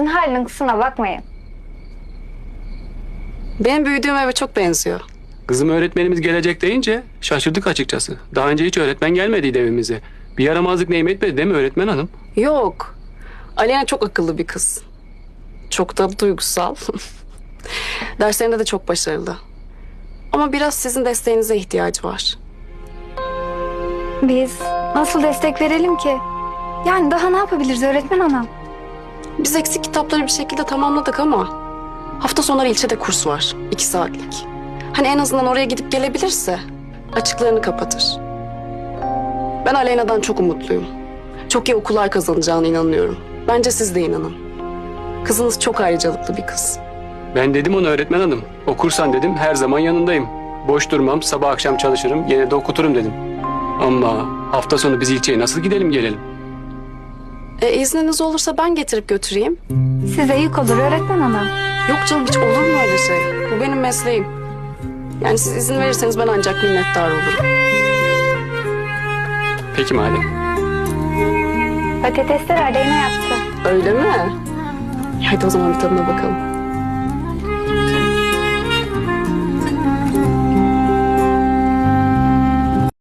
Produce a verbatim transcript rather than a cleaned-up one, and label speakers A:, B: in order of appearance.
A: kızınızın halinin kusuruna bakmayın.
B: Benim büyüdüğüm eve çok benziyor.
C: Kızım öğretmenimiz gelecek deyince şaşırdık açıkçası. Daha önce hiç öğretmen gelmediydi evimize. Bir yaramazlık neyim etmedi değil mi öğretmen hanım?
B: Yok. Aleyna çok akıllı bir kız. Çok da duygusal. Derslerinde de çok başarılı. Ama biraz sizin desteğinize ihtiyacı var.
A: Biz nasıl destek verelim ki? Yani daha ne yapabiliriz öğretmen hanım?
B: Biz eksik kitapları bir şekilde tamamladık ama hafta sonları ilçede kurs var. iki saatlik. Hani en azından oraya gidip gelebilirse açıklarını kapatır. Ben Aleyna'dan çok umutluyum. Çok iyi okullar kazanacağına inanıyorum. Bence siz de inanın. Kızınız çok ayrıcalıklı bir kız.
C: Ben dedim ona öğretmen hanım. Okursan dedim her zaman yanındayım. Boş durmam, sabah akşam çalışırım, yine de okuturum dedim. Ama hafta sonu biz ilçeye nasıl gidelim gelelim?
B: E, izniniz olursa ben getirip götüreyim.
A: Size yük olur öğretmen hanım.
B: Yok canım, hiç olur mu öyle şey? Bu benim mesleğim. Yani siz izin verirseniz ben ancak minnettar olurum.
C: Peki madem.
A: Patatesler Aleyna yaptı.
B: Öyle mi? Hadi o zaman bir tadına bakalım.